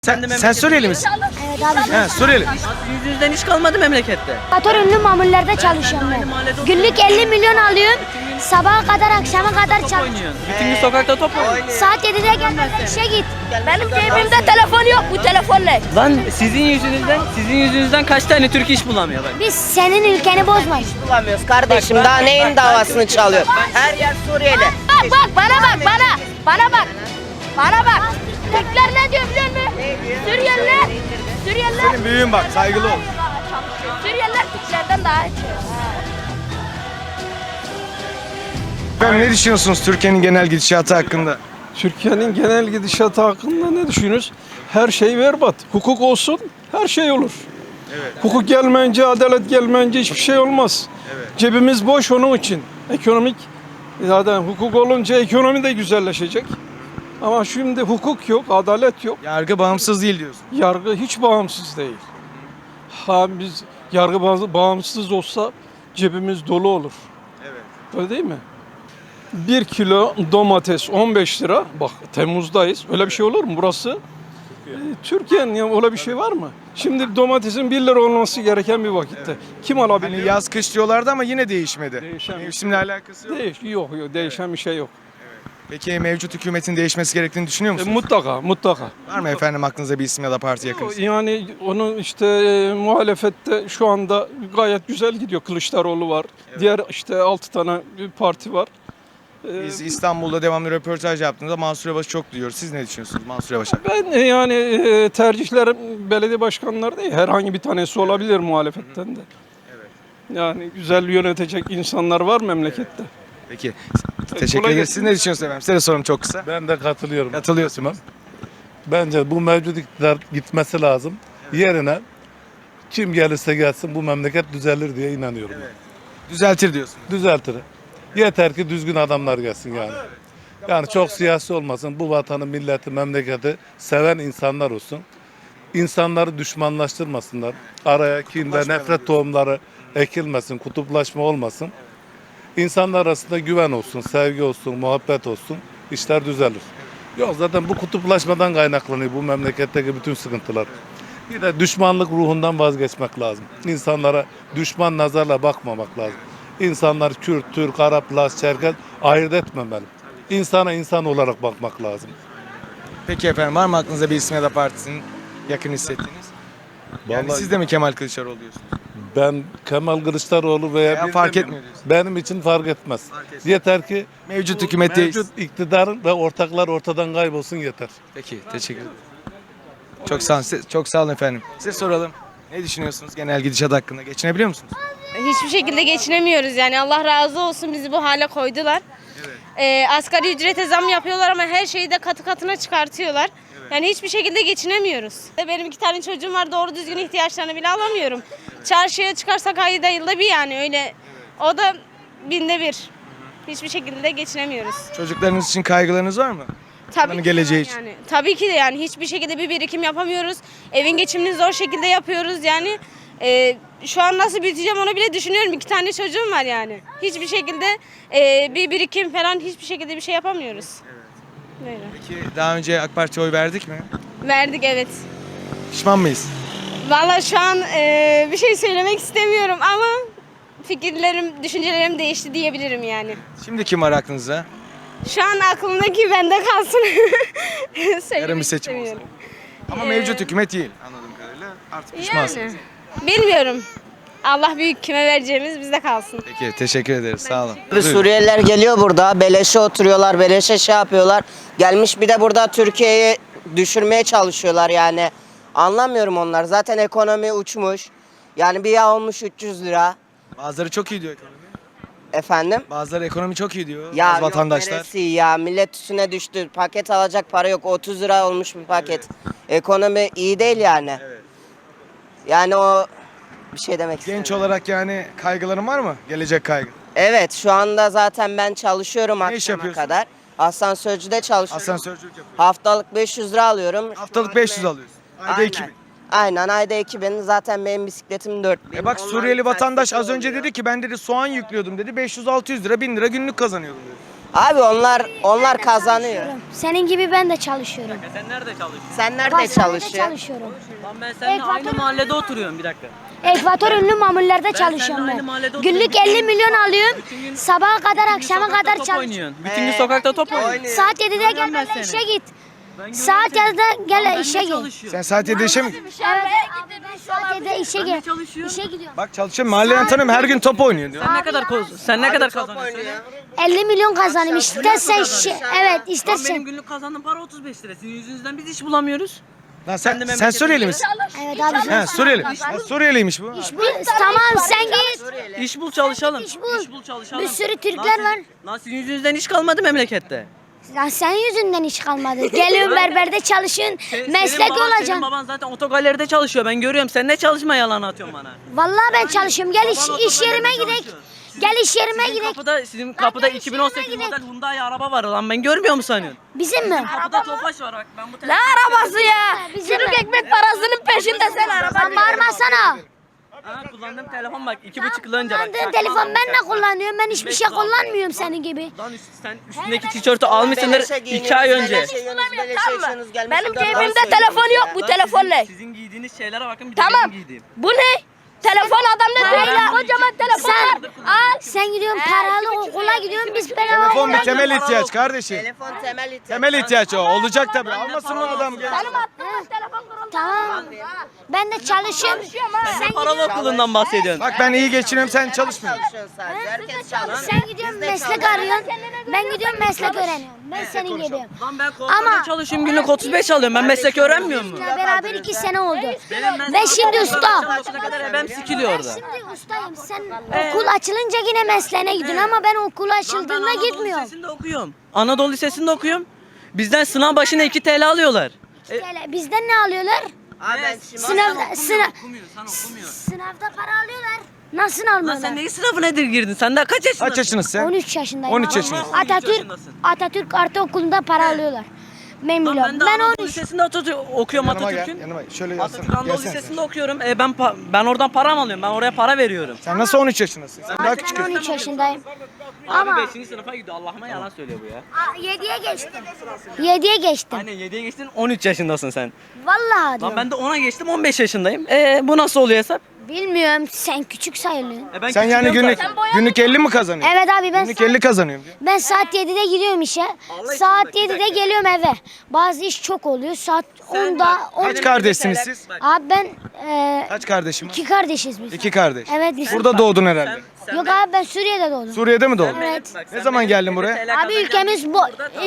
Sen Suriyeli misin? Evet abi. He, Suriyeli. Yüzünüzden iş kalmadı memlekette. Motor ünlü mamullerde çalışıyorum ben. Günlük 50 milyon alıyorum. Sabaha kadar akşama kadar çalışıyorum. Oynuyorsun. Bütün gün sokakta top oynuyorsun. Saat 7'de gelmeden işe git. Benim cebimde telefon yok, bu telefonla. Lan sizin yüzünüzden kaç tane Türk iş bulamıyor bak. Biz senin ülkeni bozmayız. Bulamıyoruz kardeşim. Daha neyin davasını çalıyor? Her yer Suriyeli. Bak bana bak bana bak. Bana bak. Türkler ne diyor biliyor musun? Suriyeliler. Senin büyüğün bak, saygılı ol. Suriyeliler Türklerden daha iyi. Efendim ne düşünüyorsunuz Türkiye'nin genel gidişatı hakkında? Türkiye'nin genel gidişatı hakkında ne düşünüyoruz? Her şey berbat. Hukuk olsun, her şey olur. Evet. Hukuk gelmeyince, adalet gelmeyince hiçbir şey olmaz. Evet. Cebimiz boş onun için. Ekonomik, zaten hukuk olunca ekonomi de güzelleşecek. Ama şimdi hukuk yok, adalet yok. Yargı bağımsız değil diyorsun. Yargı hiç bağımsız değil. Biz yargı bağımsız olsa cebimiz dolu olur. Evet. Öyle değil mi? 1 kilo domates 15 lira. Bak Temmuz'dayız. Öyle bir şey olur mu? Burası Türkiye'nin, ya öyle bir şey var mı? Şimdi domatesin 1 lira olması gereken bir vakitte. Kim alabiliyor? Hani yaz kış diyorlardı ama yine değişmedi. Değişen bir Mevsimle alakası yok. Yok, değişen bir şey yok. Peki mevcut hükümetin değişmesi gerektiğini düşünüyor musunuz? Mutlaka. Var mı efendim aklınıza bir isim ya da parti yakınız? Yani onun işte muhalefette şu anda gayet güzel gidiyor. Kılıçdaroğlu var. Diğer işte 6 tane bir parti var. Biz İstanbul'da devamlı röportaj yaptığımızda Mansur Yavaş'ı çok duyuyoruz. Siz ne düşünüyorsunuz Mansur Yavaş'a? Ben yani tercihlerim belediye başkanları değil. Herhangi bir tanesi olabilir muhalefetten de. Yani güzel yönetecek insanlar var memlekette. Peki. Teşekkür kolay ederiz. gelsin. Siz ne düşünüyorsunuz efendim? Size de sorum çok kısa. Ben de katılıyorum. Katılıyorsunuz. Bence bu mevcut iktidar gitmesi lazım. Yerine kim gelirse gelsin bu memleket düzelir diye inanıyorum. Düzeltir diyorsunuz. Düzeltir. Yeter ki düzgün adamlar gelsin yani. Yani çok siyasi olmasın. Bu vatanı, milleti, memleketi seven insanlar olsun. İnsanları düşmanlaştırmasınlar. Araya kin ve nefret tohumları ekilmesin, kutuplaşma olmasın. İnsanlar arasında güven olsun, sevgi olsun, muhabbet olsun. İşler düzelir. Yok zaten bu kutuplaşmadan kaynaklanıyor bu memleketteki bütün sıkıntılar. Bir de düşmanlık ruhundan vazgeçmek lazım. İnsanlara düşman nazarla bakmamak lazım. İnsanlar Kürt, Türk, Arap, Laz, Çerkez ayırt etmemeli. İnsana insan olarak bakmak lazım. Peki efendim var mı aklınıza bir isim ya da partisinin yakın hissettiğiniz? Yani Vallahi- siz de mi Kemal Kılıçdaroğlu diyorsunuz? Ben Kemal Kılıçdaroğlu veya Ya bir fark demiyorum. etmiyor diyorsun. Benim için fark etmez. Yeter ki Mevcut bu hükümet mevcut iktidarın ve ortaklar ortadan kaybolsun yeter. Peki teşekkür ederim. Çok sağ olun. Çok sağ olun efendim. Size soralım. Ne düşünüyorsunuz genel gidişat hakkında? Geçinebiliyor musunuz? Hiçbir şekilde geçinemiyoruz yani. Allah razı olsun bizi bu hale koydular. Asgari ücrete zam yapıyorlar ama her şeyi de katı katına çıkartıyorlar. Yani hiçbir şekilde geçinemiyoruz. Benim 2 tane çocuğum var, doğru düzgün ihtiyaçlarını bile alamıyorum. Çarşıya çıkarsak ayda yılda bir yani öyle. O da binde bir. Hiçbir şekilde de geçinemiyoruz. Çocuklarınız için kaygılarınız var mı? Onların Ki geleceği var için. yani. Tabii ki de yani hiçbir şekilde bir birikim yapamıyoruz. Evin geçimini zor şekilde yapıyoruz yani. Şu an nasıl büyüteceğim onu bile düşünüyorum. 2 tane çocuğum var yani. Hiçbir şekilde bir birikim falan hiçbir şekilde bir şey yapamıyoruz. Böyle. Peki daha önce AK Parti'ye oy verdik mi? Verdik evet. Pişman mıyız? Vallahi şu an bir şey söylemek istemiyorum ama fikirlerim, düşüncelerim değişti diyebilirim yani. Şimdi kim var aklınızda? Şu an aklımdaki bende kalsın. Söylemek Yarın bir seçim olsa. istemiyorum. Ama mevcut hükümet değil anladığım kadarıyla. Artık pişmansınız. Yani bilmiyorum. Allah büyük, kime vereceğimiz bizde kalsın. Peki teşekkür ederiz. Sağ olun. Suriyeliler geliyor burada. Beleşe oturuyorlar. Beleşe şey yapıyorlar. Gelmiş bir de burada Türkiye'yi düşürmeye çalışıyorlar yani. Anlamıyorum onlar. Zaten ekonomi uçmuş. Yani bir yağ olmuş 300 lira. Bazıları çok iyi diyor ekonomi. Efendim? Bazıları ekonomi çok iyi diyor. Ya Bazı vatandaşlar. neresi ya millet üstüne düştü. Paket alacak para yok. 30 lira olmuş bir paket. Ekonomi iyi değil yani. Evet. Yani o bir şey demek istemiyorum. Genç olarak yani kaygıların var mı? Gelecek kaygı. Evet şu anda zaten ben çalışıyorum Ne iş akşama yapıyorsun? kadar. Asansörcüde çalışıyorum. Asansörcülük yapıyorsun. Haftalık 500 lira alıyorum. Haftalık 500 alıyorsun. Ayda Aynen. 2000. Aynen ayda 2000. Zaten benim bisikletim 4000. Bak Suriyeli vatandaş az önce dedi ki ben dedi soğan yüklüyordum dedi 500-600 lira 1000 lira günlük kazanıyordum dedi. Abi onlar kazanıyor. Senin gibi ben de çalışıyorum. Sen nerede çalışıyorsun? Sen nerede Pastanede çalışıyorsun? çalışıyorum. Lan ben seninle aynı mahallede oturuyorum bir dakika. Ekvator ünlü mamullerde çalışıyorum seninle aynı ben. mahallede Günlük oturuyorum. 50 milyon alıyorum. Sabaha kadar akşama Sokakta kadar top çalışıyorum. oynuyorsun. Bütün gün sokakta top oynuyorsun. Oynuyor. Saat 7'de gel Görüyorum ben benimle seni. işe git. Ben Saat görüyorum 7'de seni. gel Lan ben işe de git. çalışıyorum. Sen saat 7'de işe mi? Evet abi ben saat 7'de işe Ben de gel. çalışıyorum. İşe gidiyorum. Bak çalışıyorum. Mahalleden tanıyorum. Her gün top oynuyor diyor. Sen ne kadar sen ne kadar Top kazanıyorsun? oynuyor. 50 milyon kazanayım. İstersen evet Lan benim istersen. günlük kazandığım para 35 lira. Sizin yüzünüzden biz iş bulamıyoruz. Lan Ben de sen memleketimde- Suriyeli misin? Evet abi. He Suriyeli. Ha, Suriyeliymiş bu. Tamam sen git. İş bul çalışalım. İş bul. İş bul çalışalım. Bir sürü Lan Türkler sizin- var. Lan sizin yüzünüzden iş kalmadı memlekette. Lan senin yüzünden iş kalmadı. Geliyorsun berberde çalışıyorsun. Meslek Senin olacaksın. baban zaten otogaleride çalışıyor. Ben görüyorum. Sen ne çalışma yalan atıyorsun bana. Vallahi ben çalışıyorum. Gel Baban iş yerime otogaleride gidek. çalışıyor. Gel iş yerime Sizin gidek. sizin kapıda gel iş 2018 yerine model Hyundai araba var lan. Ben görmüyor mu sanıyorsun? Bizim mi? Kapıda Tofaş var bak. Ben bu Ne arabası ya? Bizim mi? Ekmek parasının peşinde sen araba. Sen bağırmasana. Ha, kullandığım telefon bak 2,5 yıl önce bak. Kullandığın telefon ben de kullanıyorum. Ben hiçbir şey kullanmıyorum senin gibi. Lan sen üstündeki tişörtü almışsındır Beleşe 2 giyiniyorsunuz, ay önce. beleşe yiyorsunuz, beleşe içiyorsunuz, gelmişsiniz, Benim dört cebimde saat telefon yok. Bu Lan telefon ne? Sizin giydiğiniz şeylere bakın bir de Tamam. benim giydiğim. Bu ne? Telefon adamda değil ya. Kocaman telefon var. Al. Sen gidiyorsun paralı okula gidiyorsun. Biz bedava Telefon okula bir temel ihtiyaç kardeşim. Telefon temel ihtiyaç. Temel ihtiyaç o. Olacak tabii. Almasın mı adam? Benim attığım telefon kuruldu. Tamam. Ben de çalışıyorum. Sen Paralı okulundan bahsediyorsun. Bak ben iyi geçiniyorum sen çalışmıyorsun. Çalışıyorsun sadece. Herkes çalışıyor. Sen gidiyorsun meslek arıyorsun. Ben gidiyorum meslek öğreniyorum. Ben senin gibiyim. Lan ben kuaförde Ama- çalışıyorum günlük 35 alıyorum. Ben meslek öğrenmiyor mu? Bizimle beraber 2 sene oldu. Benim Ben şimdi usta. Başına kadar ebem sikiliyor orada. Şimdi ustayım. Sen okul açılınca yine mesleğine gidiyorsun ama ben okul açıldığında Anadolu gitmiyorum. Lisesi'nde okuyorum. Anadolu Lisesi'nde okuyorum. Bizden sınav başına 2 TL alıyorlar. Bizden ne alıyorlar? Abi ben şimdi Sınavda Okumuyorsun, sen okumuyorsun. sınavda para alıyorlar. Nasıl Lan almıyorlar? sen neyin sınavına girdin? Sen daha kaç yaşındasın? Kaç yaşındasın sen? 13 yaşındayım. 13 abi. yaşındasın. Atatürk Ortaokulu'nda para alıyorlar. Ben Lan biliyorum. ben de Ben Anadolu 13. Lisesi'nde okuyorum Yanıma gel. Atatürk'ün. Yanıma şöyle Atatürk yazsana. Anadolu Gelsene sen. Lisesi'nde okuyorum. Ben oradan para mı alıyorum? Ben oraya para veriyorum. Sen nasıl 13 yaşındasın? Sen daha küçük. Ben 13 yaşındayım. Abi Ama 5. sınıfa gidiyor. Allah'ıma yalan söylüyor bu ya. 7'ye geçtim. 7'ye geçtim. Aynen 7'ye geçtin 13 yaşındasın sen. Vallahi Lan diyorum. ben de 10'a geçtim 15 yaşındayım. Bu nasıl oluyor hesap? Bilmiyorum. Sen küçük sayılıyorsun. Ben Sen yani küçülüyorum günlük zaten. günlük 50 mi kazanıyorsun? Evet abi ben Günlük 50 kazanıyorum diyor. ben saat 7'de gidiyorum işe. Allah Saat için bak, bir 7'de dakika. geliyorum eve. Bazı iş çok oluyor. Saat 10'da bak, 10. Kaç kardeşsiniz siz? Abi ben Kaç kardeşim var? 2 kardeşiz biz. 2 kardeş. Evet biz. Burada doğdun herhalde. Yok abi ben Suriye'de doğdum. Suriye'de mi doğdun? Evet. Bak, Ne sen zaman benim geldin 20 buraya? TL Abi kazanacağım ülkemiz bu. burada, tamam.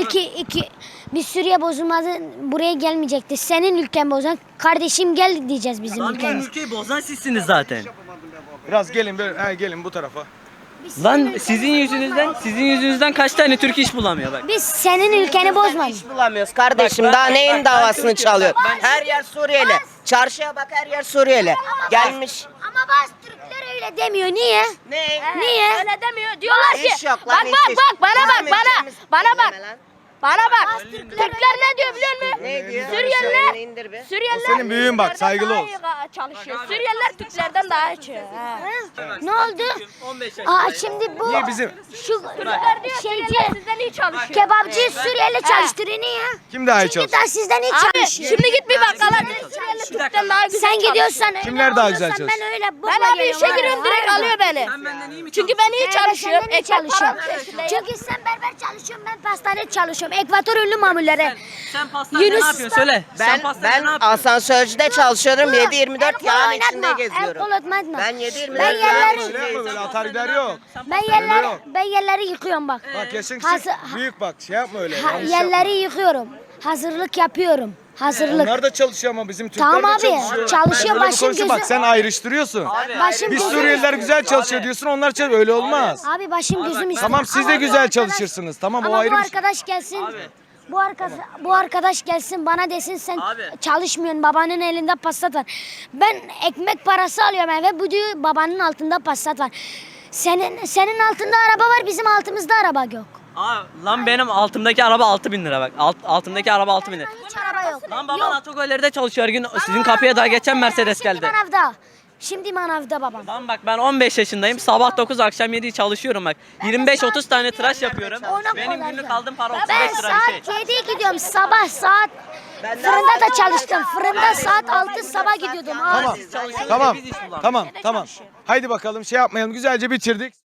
Biz Suriye bozulmadı buraya gelmeyecekti. Senin ülken bozan kardeşim gel diyeceğiz bizim Lan bizim ülkemiz. ülkeyi bozan sizsiniz zaten. Biraz gelin böyle. He gelin bu tarafa. Lan sizin yüzünüzden kaç tane Türk iş bulamıyor bak. Biz senin ülkeni bozmadık. iş bulamıyoruz kardeşim. Bak, Daha bak, neyin bak, davasını ben çalıyor? Türk'üm. Her yer Suriyeli. Çarşıya bak her yer Suriyeli. Gelmiş. Ama bazı Türkler öyle demiyor. Niye? Ne? Niye? Öyle demiyor. Diyorlar ki. İş yok lan, Bak hiç bak iş. bak bana bak Bizim bana. ülkemiz- Bana bak. Dinleme lan. Bana bak. Türkler ne diyor biliyor musun? Ne diyor? Suriyeliler. Elini indir bir. Suriyeliler O senin büyüğün bak, Türklerden saygılı daha ol. iyi çalışıyor. Suriyeliler Türklerden daha iyi çalışıyor. Ne oldu? 15 Aa şimdi bu Niye bizim? şu şeyci Sizden iyi çalışıyor. kebapçı Suriyeli çalıştırıyor niye? Kim daha iyi Çünkü çalışıyor? daha sizden iyi Abi çalışıyor. şimdi git bir bakkala. Suriyeli Türk'ten daha güzel Sen gidiyorsan öyle Kimler daha güzel oluyorsan çalışıyor? Ben öyle Ben abi işe giriyorum direkt alıyor beni. Çünkü ben iyi çalışıyorum. Ekmek Ekmek çalışıyorum. param peşindeyim. Çünkü sen berber çalışıyorsun, ben pastanede çalışıyorum. Ekvator ünlü mamullere. Sen pastanede Yunus ne yapıyorsun söyle. Sen Ben pastanede ne yapıyorsun? asansörcüde çalışıyorum. 7/24 El yağın oynatma, içinde el geziyorum. kol atma. Ben 7/24 Ben yağın yerleri- Öyle içinde yapma böyle atar gider yok. Ben yerleri yıkıyorum bak. Bak yaşın Hazır- küçük. Büyük bak şey yapma öyle. Ha, yanlış yapma. yerleri yıkıyorum. Hazırlık yapıyorum. Hazırlık. Onlar da çalışıyor ama bizim Türkler Tamam de abi, çalışıyor. çalışıyor, Böyle bir başım konuşuyor. Bak gözüm- sen ayrıştırıyorsun. Başım Biz gözüm- Suriyeliler güzel çalışıyor diyorsun onlar çalışıyor. Öyle olmaz. Abi başım gözüm istiyor. Tamam siz de Ama bu güzel arkadaş- çalışırsınız. Tamam o Ama ayrı bu bir şey. arkadaş gelsin. Bu arkadaş gelsin bana desin sen Abi. çalışmıyorsun, babanın elinde Passat var. Ben ekmek parası alıyorum eve, bu diyor babanın altında Passat var. Senin altında araba var, bizim altımızda araba yok. Lan benim altımdaki araba 6.000 lira bak. Altımdaki araba 6.000 lira. Hiç araba yok. Lan baban otogaleride çalışıyor her gün. Sizin kapıya daha geçen Mercedes geldi. Manavda. Şimdi manavda babam. Lan bak ben 15 yaşındayım. Sabah 9 akşam 7 çalışıyorum bak. 25-30 tane tıraş yapıyorum. Ona Benim kolay günlük ya. aldığım para Ben 35 lira bir şey. saat 7'ye gidiyorum. Sabah saat fırında da çalıştım. Fırında saat 6 sabah gidiyordum. Tamam. Siz çalışıyorsunuz, Tamam. biz iş bulamıyoruz. Tamam. Tamam. Haydi bakalım şey yapmayalım. Güzelce bitirdik.